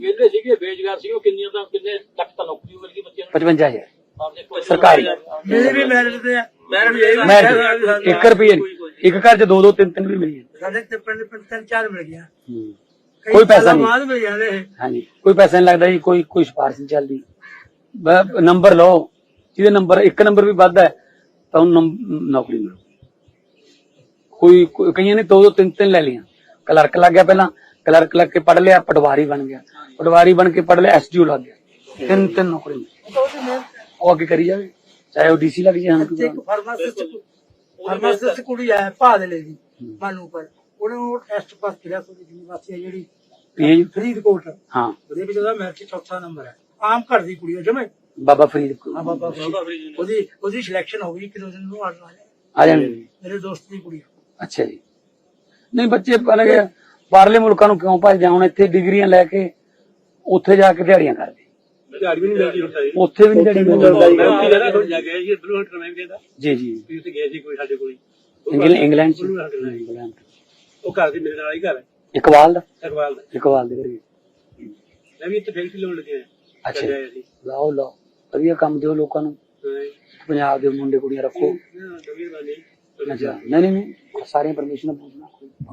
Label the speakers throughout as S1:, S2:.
S1: ਵਿਹਲੇ ਸੀਗੇ ਬੇਰੁਜ਼ਗਾਰ ਸੀਗੇ, ਉਹ ਕਿੰਨੇ ਲੱਖ ਤਾਂ ਨੌਕਰੀ ਮਿਲ ਗਈ ਬੱਚਿਆਂ ਨੂੰ।
S2: 55,000 ਸਰਕਾਰੀ।
S3: ਮੇਰੇ ਵੀ ਮੈਰਿਟ ਤੇ ਆ,
S2: मैं 1 रुपये एक घर च 2-2 3-3 भी मिली
S3: ਸਾਡੇ ਤੇ ਪਿੰਡ 3-4 ਮਿਲ ਗਿਆ।
S2: कोई पैसा नहीं।
S3: ਬਾਅਦ ਮਿਲ ਜਾਂਦੇ।
S2: हाँ जी कोई पैसा नहीं लगता जी, कोई सिफारिश नहीं चलती। नंबर लो जिहदे नंबर 1 नंबर भी वध है तो नौकरी मिलो। कोई कई ने 2-2 3-3 ले लिया। क्लर्क लग गया, पहला क्लर्क लग के पढ़ लिया, पटवारी बन गया, पटवारी बन के पढ़ लिया, SDO लग गया, 3-3 नौकरी वो आगे करी जाए, चाहे वो DC लग जाए।
S3: फार्मासिस्ट कुड़ी है भादले दी मानू पर ਉਹਨੂੰ ਟੈਸਟ ਪਾਸ ਕਰਿਆ ਕੋਈ ਯੂਨੀਵਰਸਿਟੀ ਹੈ ਜਿਹੜੀ ਫਰੀਦਕੋਟ।
S2: ਹਾਂ
S3: ਉਹਦੇ ਵਿੱਚ ਉਹਦਾ ਮੈਰਿਟ 4ਥਾ ਨੰਬਰ ਹੈ। ਆਮ ਘਰ ਦੀ ਕੁੜੀ ਹੈ ਜਮੇ
S2: ਬਾਬਾ ਫਰੀਦ।
S3: ਬਾਬਾ ਫਰੀਦ ਉਹਦੀ ਸਿਲੈਕਸ਼ਨ ਹੋ ਗਈ ਕਿ ਉਸ ਨੂੰ ਆਰਡਰ
S2: ਆ ਜਾਣੇ
S3: ਮੇਰੇ ਦੋਸਤ ਦੀ ਕੁੜੀ।
S2: ਅੱਛਾ ਜੀ। ਨਹੀਂ ਬੱਚੇ ਬਾਹਰਲੇ ਮੁਲਕਾਂ ਨੂੰ ਕਿਉਂ ਭੱਜਦੇ ਹੁਣ, ਇੱਥੇ ਡਿਗਰੀਆਂ ਲੈ ਕੇ ਉੱਥੇ ਜਾ ਕੇ ਦਿਹਾੜੀਆਂ ਕਰਦੇ।
S1: ਦਿਹਾੜੀ ਵੀ ਨਹੀਂ ਮਿਲਦੀ ਹੁੰਦਾ ਜੀ,
S2: ਉੱਥੇ ਵੀ ਨਹੀਂ ਦਿਹਾੜੀ ਮਿਲਦੀ। ਜੀ ਜੀ
S1: ਗਏ ਸੀ ਕੋਈ ਸਾਡੇ ਕੋਲ
S2: ਇੰਗਲੈਂਡ ਚ
S1: ਉਹ ਘਰ ਦੇ ਮੇਰੇ ਨਾਲ ਹੀ ਘਰ ਹੈ
S2: ਇਕਬਾਲ ਦਾ
S1: ਇਕਬਾਲ
S2: ਦੇ ਘਰੇ।
S1: ਮੈਂ ਵੀ ਇੱਥੇ ਫੈਕਟਰੀ ਲਾਉਣ ਲੱਗਿਆ।
S2: ਅੱਛਾ ਲਾਓ ਵਧੀਆ ਕੰਮ ਦਿਓ ਲੋਕਾਂ ਨੂੰ, ਪੰਜਾਬ ਦੇ ਮੁੰਡੇ ਕੁੜੀਆਂ ਰੱਖੋ। ਅੱਛਾ ਨਹੀਂ ਸਾਰੀਆਂ ਪਰਮਿਸ਼ਨ ਪੁੱਛਣਾ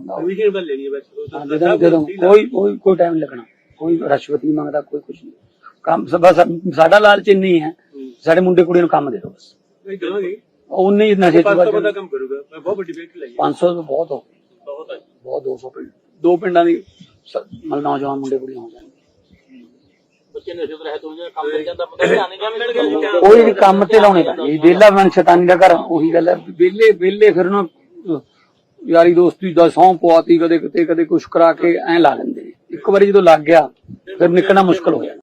S2: ਕੋਈ ਟਾਈਮ ਨਹੀਂ ਲੱਗਣਾ, ਕੋਈ ਰਿਸ਼ਵਤ ਨਹੀਂ ਮੰਗਦਾ, ਕੋਈ ਕੁਛ ਨਹੀਂ। ਕੰਮ ਬਸ ਸਾਡਾ ਲਾਲਚ ਇੰਨੀ ਹੈ, ਸਾਡੇ ਮੁੰਡੇ ਕੁੜੀਆਂ ਨੂੰ ਕੰਮ ਦੇ ਦਿਓ ਬਸ। ਉਨੇ ਹੀ ਨਸ਼ੇ 500 ਦਾ ਕੰਮ ਕਰੂਗਾ। ਮੈਂ ਬਹੁਤ ਵੱਡੀ ਫੈਕਟਰੀ ਲਾਈ 500 ਤੋਂ ਬਹੁਤ ਹੋ ਬਹੁਤ 200 ਪਿੰਡ, 2 ਪਿੰਡਾਂ ਦੀ ਨੌਜਵਾਨ ਮੁੰਡੇ ਕੁੜੀਆਂ ਹੋ ਜਾਣਗੇ।
S1: ਬੱਚੇ ਨਸ਼ੇ ਤੋਂ ਰਹਿਤ ਹੋ ਜਾਣ, ਕੰਮ ਮਿਲ ਜਾਂਦਾ, ਪਤਾ ਮਿਲ ਗਿਆ।
S2: ਕੋਈ ਵੀ ਕੰਮ ਤੇ ਲਾਉਣੇ ਪੈਂਦੇ, ਵਿਹਲਾ ਮਨ ਸ਼ੈਤਾਨੀ ਦਾ ਘਰ। ਉਹੀ ਗੱਲ ਹੈ, ਵਿਹਲੇ ਫਿਰ ਨਾ ਯਾਰੀ ਦੋਸਤੀ ਦਾ ਸਹੁੰ ਪਵਾਤੀ, ਕਦੇ ਕਿਤੇ ਕਦੇ ਕੁਛ ਕਰਾ ਕੇ ਐਂ ਲਾ ਲੈਂਦੇ। ਇੱਕ ਵਾਰੀ ਜਦੋਂ ਲੱਗ ਗਿਆ ਫਿਰ ਨਿਕਲਣਾ ਮੁਸ਼ਕਲ ਹੋ ਜਾਂਦਾ।